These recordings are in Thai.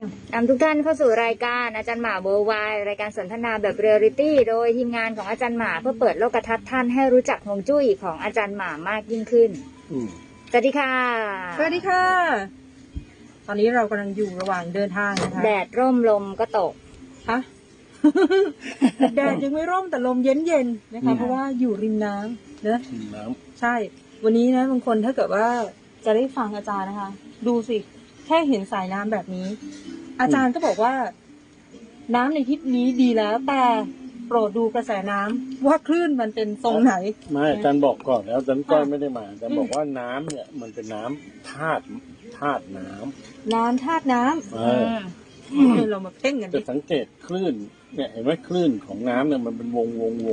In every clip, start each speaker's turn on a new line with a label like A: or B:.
A: นำทุกท่านเข้าสู่รายการอาจารย์หมาเวิร์ลไวด์รายการสนทนาแบบเรียลลิตี้โดยทีมงานของอาจารย์หมาเพื่อเปิดโลกทัศน์ท่านให้รู้จักฮวงจุ้ยของอาจารย์หมามากยิ่งขึ้นสวัสดีค่ะ
B: สวัสดีค่ะตอนนี้เรากำลังอยู่ระหว่างเดินทางนะคะ
A: แดดร่มลมก็ตก
B: ฮะ แดดยังไม่ร่มแต่ลมเย็นๆนะคะเพราะว่าอยู่ริมน้ำเนอะ
C: น้ำ
B: ใช่วันนี้นะบางคนถ้าเกิดว่าจะได้ฟังอาจารย์นะคะดูสิแค่เห็นสายน้ำแบบนี้อาจารย์ก็บอกว่าน้ำในทิศนี้ดีแล้วแต่โปรดดูกระแสน้ำว่าคลื่นมันเป็นทรงไหน
C: ไม่อาจารย์บอกก่อนแล้วอาจารย์ก้อยไม่ได้มาอาจารย์บอกว่าน้ำเนี่ยมันเป็นน้ำธาตุน้ำ
B: ธาตุน้ำเรามาเพ่งกันดิ
C: จะสังเกตคลื่นเนี่ยเห็นไหมคลื่นของน้ำเนี่ยมันเป็นวง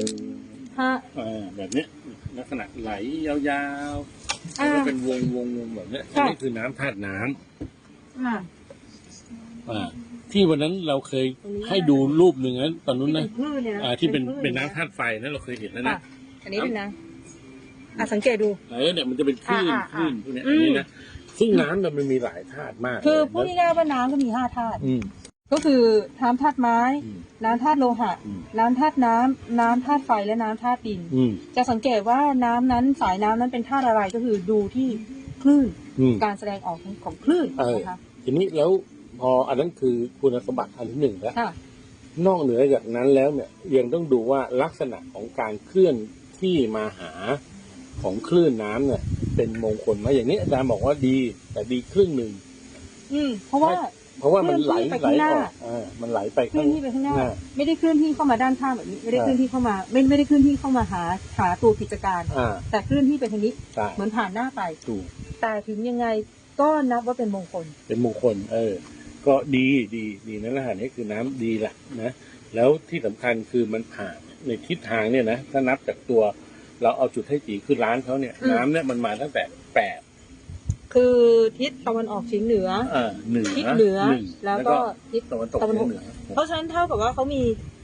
C: แบบนี้ลักษณะไหลยาวๆแล้วก็เป็นวงแบบนี้นี่คือน้ำธาตุน้ำที่วันนั้นเราเคยให้ดูรูปหนึ่งนะตอนนู้นนะที่เป็นน้ำธาตุไฟนะเราเคยเห็นแล้วนะ
B: อันนี้เป็นน้ำสังเกตดู
C: เนี่ยมันจะเป็นคลื่นพวกนี้อันนี้นะซึ่งน้ำมันมีหลายธาตุมาก
B: คือพูดง่ายๆว่าน้ำก็มี5 ธาตุก็คือน้ำธาตุไม้น้ำธาตุโลหะน้ำธาตุน้ำธาตุไฟและน้ำธาตุดินจะสังเกตว่าน้ำนั้นสายน้ำนั้นเป็นธาตุอะไรก็คือดูที่คลื่นการแสดงออกของคลื่นนะคะ
C: ทีนี้แล้วพออันนั้นคือคุณสมบัติอันที่หนึ่งแล้วนอกเหนือจากนั้นแล้วเนี่ยยังต้องดูว่าลักษณะของการเคลื่อนที่มาหาของคลื่นน้ำเนี่ยเป็นมงคลไหมอย่างนี้อาจารย์บอกว่าดีแต่ดีครึ่งหนึ่ง
B: เพราะว่า
C: มันไหลออกมันไหลไป
B: เคลื่อนที่ไปข้างหน้าไม่ได้เคลื่อนที่เข้ามาด้านข้างแบบนี้ไม่ได้เคลื่อนที่เข้ามาไม่ได้เคลื่อนที่เข้ามาหาตัวกิจการแต่เคลื่อนที่ไปทางนี้เหมือนผ่านหน้าไปแต่ถึงยังไงก็นับว่าเป็นมงคล
C: ก็ดีนั่นแหละนี่คือน้ำดีแหละนะแล้วที่สำคัญคือมันผ่านในทิศทางเนี่ยนะถ้านับจากตัวเราเอาจุดให้จีคือร้านเขาเนี่ยน้ำเนี่ยมันมาตั้งแต่8
B: คือทิศตะวันออกเฉียงเหนือทิศเหนือแล้วก็ทิศตะวันตกเฉียงเหนือเพราะฉะนั้นเท่ากับว่าเขามี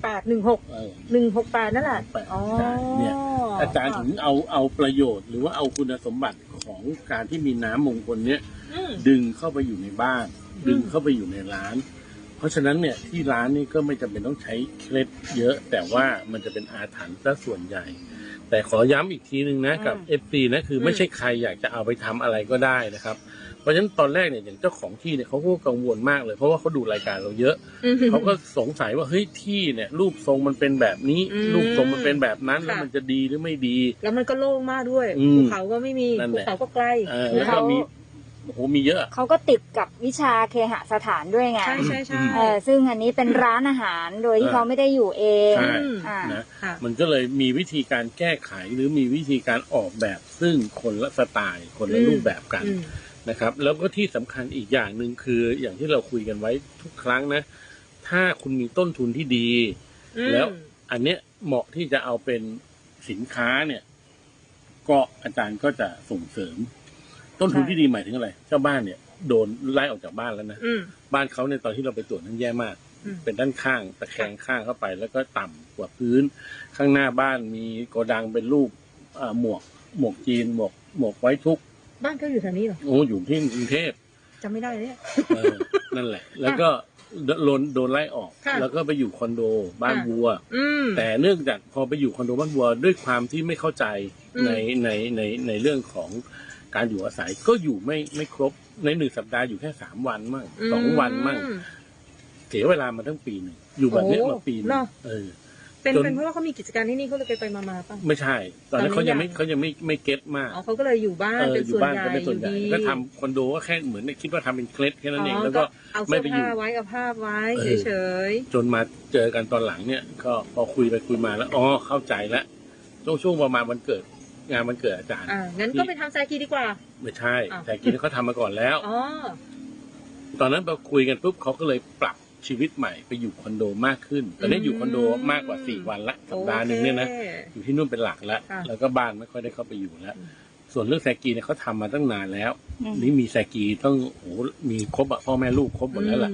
B: 168นั่นแหละ
C: เนี่ยอาจารย์ถึงเอาประโยชน์หรือว่าเอาคุณสมบัติของการที่มีน้ำมงคลเนี้ยดึงเข้าไปอยู่ในบ้านดึงเข้าไปอยู่ในร้านเพราะฉะนั้นเนี่ยที่ร้านนี่ก็ไม่จำเป็นต้องใช้เคล็ดเยอะแต่ว่ามันจะเป็นอาถรรพ์ซะส่วนใหญ่แต่ขอย้ำอีกทีนึงนะกับ FC นะคือไม่ใช่ใครอยากจะเอาไปทำอะไรก็ได้นะครับเพราะฉะนั้นตอนแรกเนี่ยอย่างเจ้าของที่เนี่ยเขาก็กังวลมากเลยเพราะว่าเขาดูรายการเราเยอะเขาก็สงสัยว่าเฮ้ยที่เนี่ยรูปทรงมันเป็นแบบนี้รูปทรงมันเป็นแบบนั้นแล้วมันจะดีหรือไม่ดี
B: แล้วมันก็โล่งมากด้วยภูเขาก็ไม่มีภูเขาก็ใกล้
C: แล้วก็มีเยอะ
A: เขาก็ติดกับวิชาเคหสถานด้วยไง
B: ใช่
A: ซึ่งอันนี้เป็นร้านอาหารโดยที่เขาไม่ได้อยู่เอง
C: นะมันก็เลยมีวิธีการแก้ไขหรือมีวิธีการออกแบบซึ่งคนละสไตล์คนละรูปแบบกันนะครับแล้วก็ที่สำคัญอีกอย่างหนึ่งคืออย่างที่เราคุยกันไว้ทุกครั้งนะถ้าคุณมีต้นทุนที่ดีแล้วอันเนี้ยเหมาะที่จะเอาเป็นสินค้าเนี่ยก็อาจารย์ก็จะส่งเสริมต้นทุนที่ดีหมายถึงอะไรเจ้าบ้านเนี่ยโดนไล่ออกจากบ้านแล้วนะบ้านเขาในตอนที่เราไปตรวจนั้นแย่มากเป็นด้านข้างตะแคงข้างเข้าไปแล้วก็ต่ำกว่าพื้นข้างหน้าบ้านมีโกดังเป็นรูปหมวกจีนหมวกไว้ทุก
B: บ้านเขาอยู่แถวนี้เหรอ
C: อยู่ที่กรุงเทพ
B: จำไม่ได้เลยเนี่ย
C: นั่นแหละแล้วก็โดนไล่ออกแล้วก็ไปอยู่คอนโดบ้านวัวแต่เนื่องจากพอไปอยู่คอนโดบ้านวัวด้วยความที่ไม่เข้าใจในเรื่องของการอยู่อาศัยก็อยู่ไม่ครบใน1 สัปดาห์อยู่แค่3 วันมั่ง2 วันมั่งเสียเวลามาทั้งปีนึงอยู่แบบนี้มาปีนึง
B: เป็นเพราะว่าเขามีกิจการที่นี่เขาเลยไปมาป่ะ
C: ไม่ใช่ตอนนั้นเขายังไม่เก็ตมาก
B: เขาก็เลยอยู่บ้านเป็นส่วนใหญ่อยู่
C: ก็ทำคอนโดก็แค่เหมือนคิดว่าทำเป็นเคล็ดแค่นั้นเองแล้วก็
B: ไม่ไปอยู่เอาภาพไว้เฉย
C: จนมาเจอกันตอนหลังเนี่ยก็พอคุยไปคุยมาแล้วเข้าใจแล้วช่วงประมาณวันเกิดงานมันเกิดอาจารย์
B: งั้นก็ไปทำแซกีดีกว่า
C: ไม่ใช่แซกีเขาทำมาก่อนแล้วตอนนั้นพอคุยกันปุ๊บเขาก็เลยปรับชีวิตใหม่ไปอยู่คอนโดมากขึ้นตอนนี้อยู่คอนโดมากกว่า4 วันละสัปดาห์นึงเนี่ยนะอยู่ที่นู่นเป็นหลักแล้วก็บ้านไม่ค่อยได้เข้าไปอยู่แล้วส่วนเรื่องแซกีเนี่ยเขาทำมาตั้งนานแล้วนี่มีแซกีต้องมีครบพ่อแม่ลูกครบหมดแล้วแหละใน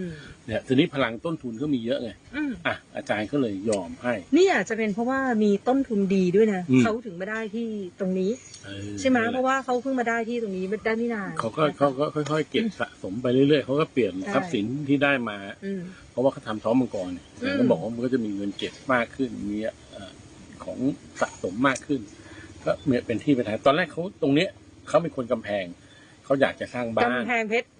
C: เนี่ยทีนี้พลังต้นทุนก็มีเยอะไงอาจารย์ก็เลยยอมให้
B: นี่อาจจะเป็นเพราะว่ามีต้นทุนดีด้วยนะเขาถึงมาได้ที่ตรงนี้ใช่ไหมเพราะว่าเขาเพิ่งมาได้ที่ตรงนี้ได้ไม่นาน
C: เขาก็ค่อยๆเก็บสะสมไปเรื่อยๆเขาก็เปลี่ยนทรัพย์สินที่ได้มาเพราะว่าเขาทำท้องมังกรเนี่ยก็บอกว่ามันก็จะมีเงินเก็บมากขึ้นมีของสะสมมากขึ้นก็เป็นที่ไปทางตอนแรกเขาตรงเนี้ยเขาเป็นคนกำแพงเขาอยากจะสร้างบ้าน
B: กำแพงเพชร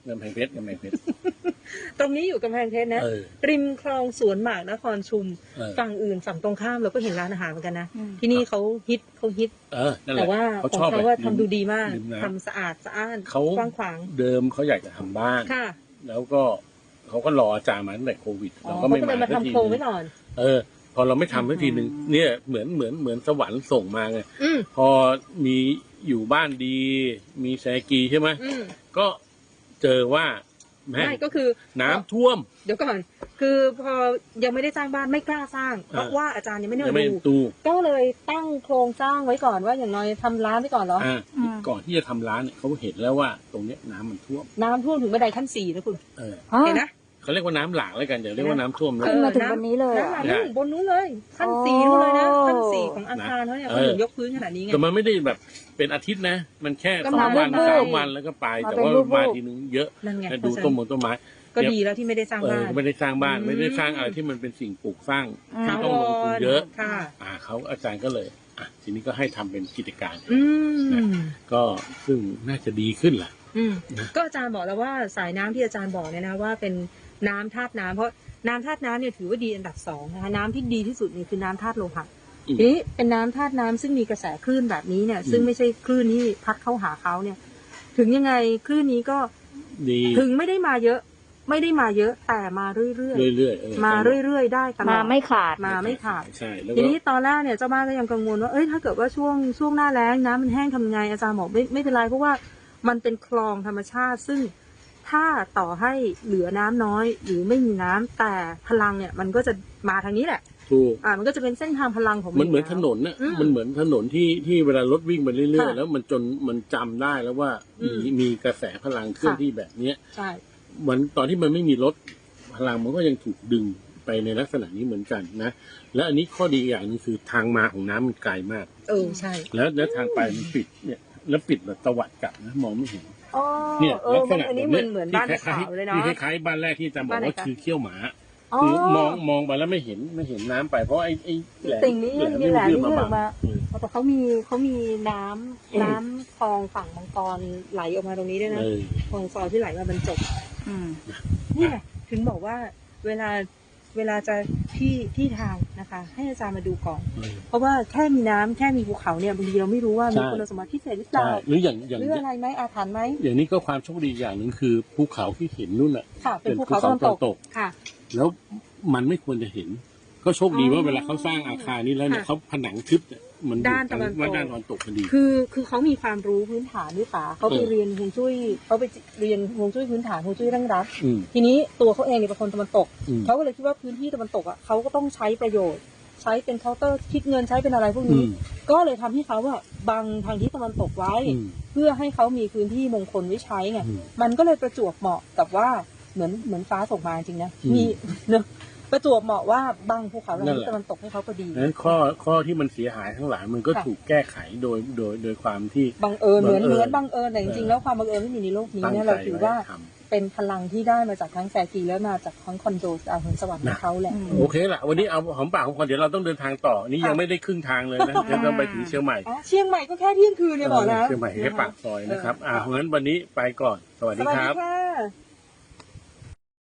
B: ตรงนี้อยู่กำแพงเพชรนะริมคลองสวนหมากนครชุมฝั่งอื่นฝั่งตรงข้ามเราก็เห็นร้านอาหารเหมือนกันนะที่นี่เขาฮิตแต่ว่าของเขาว่าทำดูดีมากทำสะอาดสะอ้านกว้างขวาง
C: เดิมเขาอยากจะทำบ้านแล้วก็เขาก็รออาจารย์มาตั้งแต่โควิดเราก็ไม่มา
B: ทำโครงไว้ก่อน
C: พอเราไม่ทำสักทีหนึ่งเนี่ยเหมือนสวรรค์ส่งมาไงพอมีอยู่บ้านดีมีแซกีใช่ไหมก็เจอว่า
B: ไม่ก็คือ
C: น้ำท่วม
B: เดี๋ยวก่อนคือพอยังไม่ได้สร้างบ้านไม่กล้าสร้างเพราะว่าอาจารย์ยังไม่ได้ดูก็เลยตั้งโครงสร้างไว้ก่อนว่าอย่างน้อยทำร้านไว้ก่อนเหรอ
C: ก่อนที่จะทำร้านเนี่ยเขาเห็นแล้วว่าตรงเนี้ยน้ำมันท่วม
B: ถึงบันไดขั้น4นะคุณเห็นนะ
C: เขาเรียกว่าน้ำหลากแล้วกันเดี๋ยวเรียกว่าน้ำท่วม
A: ขึ้นมาถึงบนนี้เลย
B: น้ำหลากบนนู้นเลยขั้น4นู้นเลยนะขั้น4ของอาคารเขาเนี่ยเขาถึงยกพื้นขนาดนี้ไง
C: แต่มันไม่ได้แบบเป็นอาทิตย์นะมันแค่2 วัน 3 วันแล้วก็ไปแต่ว่ามาทีนึงเยอะดูต้นไม้
B: ก็ดีแล้วที่ไม่ได้สร้างบ้าน
C: ไม่ได้สร้างบ้านไม่ได้สร้างอะไรที่มันเป็นสิ่งปลูกสร้างที่ต้องลงทุนเยอะเขาอาจารย์ก็เลยทีนี้ก็ให้ทำเป็นกิจการก็ซึ่งน่าจะดีขึ้นแหละ
B: ก็อาจารย์บอกแล้วว่าสายน้ำที่อาจารย์บอกเนี่ยนะว่าเป็นน้ำธาตุน้ำเพราะน้ำธาตุน้ำเนี่ยถือว่าดีอันดับ2นะคะน้ำที่ดีที่สุดนี่คือน้ำธาตุโลหะทีนี้เป็นน้ำธาตุน้ำซึ่งมีกระแสคลื่นแบบนี้เนี่ยซึ่งไม่ใช่คลื่นที่พัดเข้าหาเขาเนี่ยถึงยังไงคลื่นนี้ก็ถึงไม่ได้มาเยอะแต่มาเรื่อยๆมาเรื่อยๆได้ตลอด
A: มาไม่ขาด
C: ใช่
B: ทีนี้ตอนแรกเนี่ยเจ้าบ้านก็ยังกังวลว่าถ้าเกิดว่าช่วงหน้าแล้งน้ำมันแห้งทำไงอาจารย์บอกไม่เป็นไรเพราะว่ามันเป็นคลองธรรมชาติซึ่งถ้าต่อให้เหลือน้ำน้อยหรือไม่มีน้ำแต่พลังเนี่ยมันก็จะมาทางนี้แหละ
C: ถูก
B: มันก็จะเป็นเส้นทางพลังของ
C: มันเหมือนถนนน่ะมันเหมือนถนนที่เวลารถวิ่งไปเรื่อยๆแล้วมันจำได้แล้วว่ามีกระแสพลังเคลื่อนที่แบบนี้
B: ใช่
C: วันตอนที่มันไม่มีรถพลังมันก็ยังถูกดึงไปในลักษณะนี้เหมือนกันนะและอันนี้ข้อดีอย่างนึงคือทางมาของน้ำมันไกลมาก
B: ใช่
C: แล้วทางไปมันปิดเนี่ยแล้วปิดแบบตวัดกลับนะมองไม่เห็นเนี่ยลักษณะแบบนี้
B: เหมือนบ้านขาวเลยเนาะ
C: ที่คล้ายๆบ้านแรกที่อาจารย์บอกว่าคือเขี้ยวหมาคือมองไปแล้วไม่เห็นน้ำไปเพราะไอ้
B: ติ่งนี้มีแหลมนี่ออกมาแต่เขามีน้ำคลองฝั่งมังกรไหลออกมาตรงนี้ด้วยนะคลองซอยที่ไหลมาบรรจบนี่แหละถึงบอกว่าเวลาจะที่ทางนะคะให้อาจารย์มาดูก่อนเพราะว่าแค่มีน้ำแค่มีภูเขาเนี่ยบางทีเราไม่รู้ว่ามีคุณสมบัติพิเศษหรือเปล่า
C: หรืออย่าง
B: อะไรไหมอาถรรพ์ไหม
C: อย่างนี้ก็ความโชคดีอย่างหนึ่งคือภูเขาที่เห็นนู่นน่ะ
B: เป็นภูเขาตะวันตกค่ะ
C: แล้วมันไม่ควรจะเห็นก็โชคดีว่าเวลาเขาสร้างอาคารนี้แล้วเนี่ยเขาผนังทึบเนี่ยมัน
B: ด้านตะ
C: วันตกพอดี
B: คือเขามีความรู้พื้นฐานด้วยป่ะเขาไปเรียนฮวงจุ้ยเขาไปเรียนฮวงจุ้ยพื้นฐานฮวงจุ้ยเร่งรัดทีนี้ตัวเขาเองเนี่ยเป็นคนตะวันตกเขาก็เลยคิดว่าพื้นที่ตะวันตกอ่ะเขาก็ต้องใช้ประโยชน์ใช้เป็นเคาน์เตอร์คิดเงินใช้เป็นอะไรพวกนี้ก็เลยทำให้เขาว่าบังทางทิศตะวันตกไว้เพื่อให้เขามีพื้นที่มงคลไว้ใช้ไงมันก็เลยประจวบเหมาะกับว่าเหมือนฟ้าส่งมาจริงนะมีเนอะประจวบเหมาะว่าบังภูเขาทางทิศตะวันตกให้เขาพอดี
C: นั้นข้อที่มันเสียหายทั้งหลายมันก็ถูกแก้ไขโดยความที่
B: บังเอิญเหมือนบังเอิญแต่จริงๆแล้วความบังเอิญไม่มีในโลกนี้เนี่ยเราถือว่าเป็นพลังที่ได้มาจากทั้งแซกีแล้วมาจากทั้งคอนโดดาวสวรรค์ของเขาแหละ
C: โอเคละวันนี้เอาหอมปากของคนเดี๋ยวเราต้องเดินทางต่อนี่ยังไม่ได้ครึ่งทางเลยนะเดี๋ยวต้องไปถึงเชียงใหม่
B: ก็แค่เที่ยงคืนเนี่ยบอกนะ
C: เชียงใหม่แค่ปากซอยนะครับเพราะงั้นวันนี้ไปก่อนสวัสดีครับ